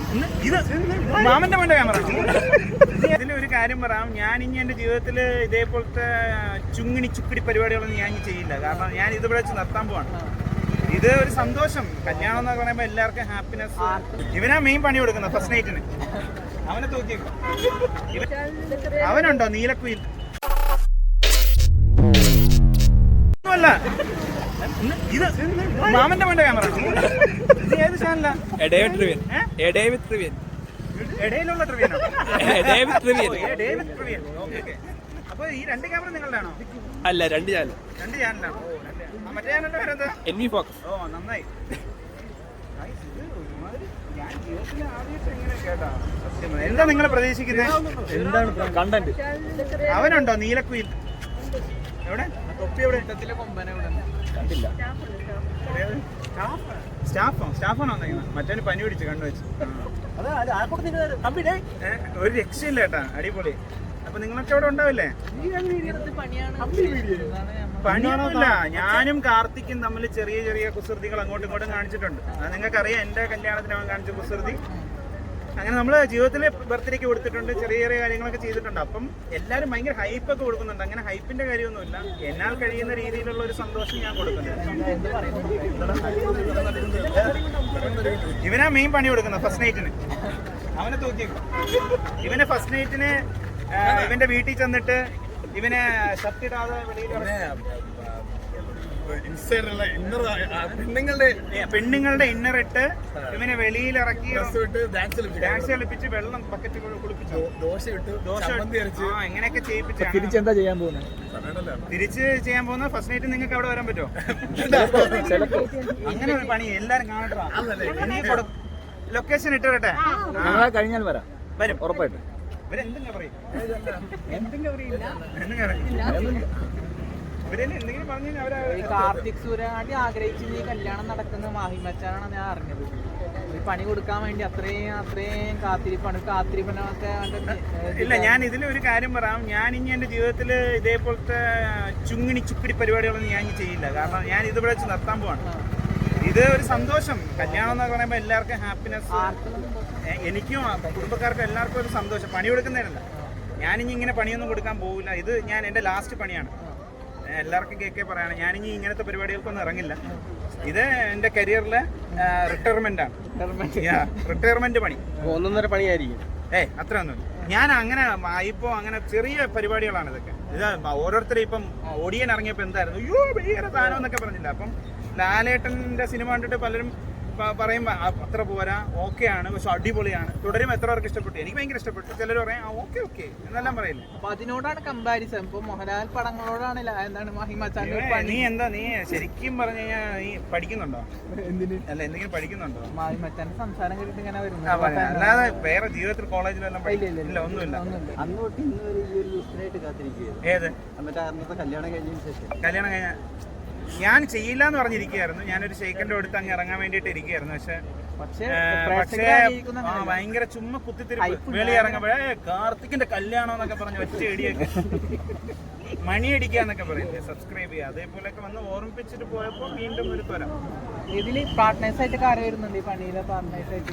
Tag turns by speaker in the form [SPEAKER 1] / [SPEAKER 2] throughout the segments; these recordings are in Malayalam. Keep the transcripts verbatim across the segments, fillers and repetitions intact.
[SPEAKER 1] ഇത് മാമന്റെ വേണ്ട ക്യാമറ. ഇതിലൊരു കാര്യം പറയാം, ഞാൻ ഇനി എൻ്റെ ജീവിതത്തിൽ ഇതേപോലത്തെ ചുങ്ങിണി ചുക്കിടി പരിപാടികളൊന്നും ഞാൻ ഇനി ചെയ്യില്ല. കാരണം ഞാൻ ഇത് ഇവിടെ വെച്ച് നിർത്താൻ പോവാണ്. ഇത് ഒരു സന്തോഷം. കല്യാണം എന്നൊക്കെ പറയുമ്പോൾ എല്ലാവർക്കും ഹാപ്പിനെസ്. ഇവനാ മെയിൻ പണി കൊടുക്കുന്നത് ഫസ്റ്റ് നൈറ്റിന്. അവനെ തൂക്കിയേക്കും. അവനുണ്ടോ നീലക്കുയിൽ? അല്ല, ഇത് മാമന്റെ വേണ്ട ക്യാമറ. ഇത് ഏത് ചാനലാ? ഇടയിലുള്ള ട്രിവിയനോ? അപ്പൊ ഈ രണ്ട് ക്യാമറ നിങ്ങളുടെ ആണോ?
[SPEAKER 2] അല്ല, രണ്ട് ചാനൽ.
[SPEAKER 1] രണ്ട് ചാനലാണോ? മറ്റേ ചാനലിന്റെ പേരെന്താ?
[SPEAKER 2] N V focus.
[SPEAKER 1] ഓ, നന്നായി. ഞാൻ ജീവിതത്തിൽ ആദ്യമായിട്ട് എങ്ങനെ കേട്ടാ. എന്താ നിങ്ങൾ പ്രതീക്ഷിക്കുന്നത്?
[SPEAKER 2] എന്താണ് കണ്ടന്റ്?
[SPEAKER 1] അവനുണ്ടോ നീലക്കുയിൽ? എവിടെ? തൊപ്പി എവിടെ?
[SPEAKER 2] കണ്ടില്ല.
[SPEAKER 1] സ്റ്റാഫോ? സ്റ്റാഫാണോ വന്നേക്കുന്നത്? മറ്റേ പനി പിടിച്ച് കണ്ണു വെച്ച്. ഒരു രക്ഷയില്ല കേട്ടാ, അടിപൊളി. അപ്പൊ നിങ്ങളൊക്കെ അവിടെ ഉണ്ടാവില്ലേ? പണിയൊന്നുമില്ല. ഞാനും കാർത്തിക്കും തമ്മിൽ ചെറിയ ചെറിയ കുസൃതികൾ അങ്ങോട്ടും ഇങ്ങോട്ടും കാണിച്ചിട്ടുണ്ട്. അത് നിങ്ങൾക്കറിയാം, എന്റെ കല്യാണത്തിന് അവൻ കാണിച്ച കുസൃതി. അങ്ങനെ നമ്മൾ ജീവിതത്തിൽ ബർത്ത്ഡേക്ക് കൊടുത്തിട്ടുണ്ട്, ചെറിയ ചെറിയ കാര്യങ്ങളൊക്കെ ചെയ്തിട്ടുണ്ട്. അപ്പം എല്ലാവരും ഭയങ്കര ഹൈപ്പൊക്കെ കൊടുക്കുന്നുണ്ട്. അങ്ങനെ ഹൈപ്പിന്റെ കാര്യമൊന്നുമില്ല. എന്നാൽ കഴിയുന്ന രീതിയിലുള്ള ഒരു സന്തോഷം ഞാൻ കൊടുക്കുന്നുണ്ട്. ഇവനാ മെയിൻ പണി കൊടുക്കുന്നത് ഫസ്റ്റ് നൈറ്റിന്. അവനെ തൂക്കിയേക്കും. ഇവനെ ഫസ്റ്റ് നൈറ്റിന് ഇവന്റെ വീട്ടിൽ ചെന്നിട്ട് ഇവനെ ഷർട്ടിടാതെ പെണ്ണുങ്ങളുടെ ഇന്നർ ഇട്ട് ഇവനെ വെളിയിൽ ഇറക്കി ഡാൻസ് കളിപ്പിച്ച് വെള്ളം ബക്കറ്റ് കുളിപ്പിച്ചു, ദോശ ഇട്ട് ദോശ എങ്ങനെയൊക്കെ ചെയ്യിപ്പിച്ചു.
[SPEAKER 2] തിരിച്ചെന്താ ചെയ്യാൻ പോകുന്നത്?
[SPEAKER 1] തിരിച്ച് ചെയ്യാൻ പോകുന്ന ഫസ്റ്റ് നൈറ്റ് നിങ്ങൾക്ക് അവിടെ വരാൻ പറ്റുമോ? അങ്ങനെ ഒരു പണി എല്ലാരും കാണട്ടാ. ലൊക്കേഷൻ ഇട്ട് വരട്ടെ.
[SPEAKER 2] കഴിഞ്ഞാൽ വരാം.
[SPEAKER 1] വരും
[SPEAKER 2] ഉറപ്പായിട്ട്.
[SPEAKER 1] ഇവരെന്തെങ്കിലും പറയും. എന്തെങ്കിലും പറയില്ല. ഇവരെന്തെങ്കിലും പറഞ്ഞു.
[SPEAKER 3] ഈ കാർത്തിക് സൂര്യനാട്ടി ആഗ്രഹിച്ച് ഈ കല്യാണം നടക്കുന്ന മാഹിമച്ചാനാണ് ഞാൻ അറിഞ്ഞത്. ഈ പണി കൊടുക്കാൻ വേണ്ടി അത്രയും അത്രയും കാത്തിരിപ്പാണ്. കാത്തിരിപ്പനൊക്കെ
[SPEAKER 1] ഇല്ല, ഞാൻ ഇതിലൊരു കാര്യം പറയാം. ഞാൻ ഇനി എൻ്റെ ജീവിതത്തിൽ ഇതേപോലത്തെ ചുങ്ങിണി ചുക്കിടി പരിപാടികളൊന്നും ഞാൻ ഇനി ചെയ്യില്ല. കാരണം ഞാൻ ഇത് ഇവിടെ വെച്ച് നിർത്താൻ പോവാണ്. ഇത് ഒരു സന്തോഷം. കല്യാണം എന്നൊക്കെ പറയുമ്പോൾ എല്ലാവർക്കും ഹാപ്പിനെസ്. എനിക്കും കുടുംബക്കാർക്കും എല്ലാവർക്കും ഒരു സന്തോഷം. പണി കൊടുക്കുന്നതിനല്ല. ഞാനിനി ഇങ്ങനെ പണിയൊന്നും കൊടുക്കാൻ പോകില്ല. ഇത് ഞാൻ എൻ്റെ ലാസ്റ്റ് പണിയാണ്. എല്ലാവർക്കും കേൾക്കേ പറയാണ്, ഞാനിനി ഇങ്ങനത്തെ പരിപാടികൾക്കൊന്നും ഇറങ്ങില്ല. ഇത് എൻ്റെ കരിയറിലെ റിട്ടയർമെന്റ് ആണ്. റിട്ടയർമെന്റ് പണി
[SPEAKER 2] ഒന്നൊന്നര പണിയായിരിക്കും.
[SPEAKER 1] ഏയ് അത്രയൊന്നുമില്ല. ഞാൻ അങ്ങനെ ഇപ്പോൾ അങ്ങനെ ചെറിയ പരിപാടികളാണ് ഇതൊക്കെ. ഇത് ഓരോരുത്തരും ഇപ്പം ഓടിയൻ ഇറങ്ങിയപ്പോൾ എന്തായിരുന്നു, അയ്യോ ഭയങ്കര സാധനം എന്നൊക്കെ പറഞ്ഞില്ല. അപ്പം ലാലേട്ടൻ്റെ സിനിമ കണ്ടിട്ട് പലരും പറയുമ്പോൾ അത്ര പോരാ, ഓക്കെ ആണ്, പക്ഷെ അടിപൊളിയാണ്, തുടരും. എത്ര പേർക്ക് ഇഷ്ടപ്പെട്ടു? എനിക്ക് ഭയങ്കര ഇഷ്ടപ്പെട്ടു. ചിലർ പറയാം ഓക്കെ ഓക്കെ എന്നെല്ലാം പറയില്ലേ.
[SPEAKER 3] അപ്പൊ അതിനോടാണ് കമ്പാരിസൺ. ഇപ്പൊ മോഹൻലാൽ പടങ്ങളോടാണ് എന്താണ് മാഹിമച്ചാൻ.
[SPEAKER 1] നീ എന്താ നീ ശരിക്കും പറഞ്ഞു കഴിഞ്ഞാൽ നീ പഠിക്കുന്നുണ്ടോ? അല്ല, എന്തെങ്കിലും പഠിക്കുന്നുണ്ടോ?
[SPEAKER 3] മാഹിമച്ചാന്റെ സംസാരം കേട്ടിട്ട് ഇങ്ങനെ വരുന്നു.
[SPEAKER 1] അല്ലാതെ വേറെ ജീവിതത്തിൽ കോളേജിലെല്ലാം ഇല്ല, ഒന്നുമില്ല.
[SPEAKER 4] അന്ന് തൊട്ട് ഇന്ന് വരെ ഈ ഒരു ദിവസത്തിനായിട്ട് കാത്തിരിക്കുകയായിരുന്നു.
[SPEAKER 1] ഏത്?
[SPEAKER 4] മറ്റേ അന്നത്തെ കല്യാണം കഴിഞ്ഞതിന് ശേഷം.
[SPEAKER 1] കല്യാണം കഴിഞ്ഞ ഞാൻ ചെയ്യില്ല എന്ന് പറഞ്ഞിരിക്കുകയായിരുന്നു. ഞാനൊരു ഷെയ്ക്കൻ്റെ അടുത്ത് അങ്ങ് ഇറങ്ങാൻ വേണ്ടിയിട്ട് ഇരിക്കുകയായിരുന്നു. പക്ഷെ പക്ഷേ ഭയങ്കര ചുമ്മാ കുത്തിത്തിരിപ്പ്. വെളി ഇറങ്ങുമ്പോഴേ കാർത്തിക്കിന്റെ കല്യാണം എന്നൊക്കെ പറഞ്ഞ് ഒറ്റ ഇടിയൊക്കെ മണിയടിക്കാന്നൊക്കെ പറയില്ലേ, സബ്സ്ക്രൈബ് ചെയ്യുക, അതേപോലെയൊക്കെ വന്ന് ഓർമ്മിപ്പിച്ചിട്ട് പോയപ്പോൾ വീണ്ടും ഒരു ത്വരം.
[SPEAKER 3] ഇതില് പാർട്ട്നേഴ്സ് ആയിട്ട് കാര്യം വരുന്നുണ്ട്. ഈ പണിയിലെ പാർട്ട്നേഴ്സ് ആയിട്ട്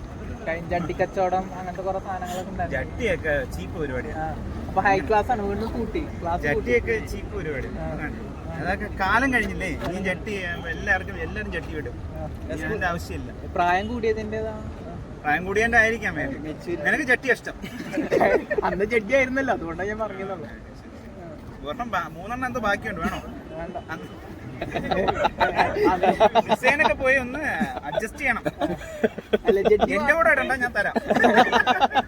[SPEAKER 3] ജഡ്ഡി കച്ചവടം അങ്ങനത്തെ കുറെ സാധനങ്ങളൊക്കെ ഉണ്ടായിരുന്നു.
[SPEAKER 1] ജഡ്ഡിയൊക്കെ ചീപ്പ് പരിപാടിയാണ്.
[SPEAKER 3] അപ്പൊ ഹൈ ക്ലാസ് ആണ്, വീണ്ടും കൂട്ടി ക്ലാസ്.
[SPEAKER 1] ജഡ്ഡിയൊക്കെ ചീപ്പ് പരിപാടി. അതൊക്കെ കാലം കഴിഞ്ഞില്ലേ. ഇനി ജട്ടി എല്ലാവർക്കും എല്ലാവരും ജട്ടി വിടും. അതിന്റെ ആവശ്യമില്ല.
[SPEAKER 3] പ്രായം കൂടിയതിൻ്റെതാണ്.
[SPEAKER 1] പ്രായം കൂടിയതിന്റെ ആയിരിക്കാം. നിനക്ക് ജട്ടി ഇഷ്ടം.
[SPEAKER 3] അന്ന് ജഡ്ഡി ആയിരുന്നല്ലോ, അതുകൊണ്ടാണ് ഞാൻ പറഞ്ഞതുള്ളൂ.
[SPEAKER 1] ഒരെണ്ണം മൂന്നെണ്ണം എന്തോ ബാക്കിയുണ്ട്, വേണോ?
[SPEAKER 3] വേണ്ട.
[SPEAKER 1] ഡിസൈനൊക്കെ പോയി ഒന്ന് അഡ്ജസ്റ്റ് ചെയ്യണം. എന്റെ കൂടെ ഇടണ്ട, ഞാൻ തരാം.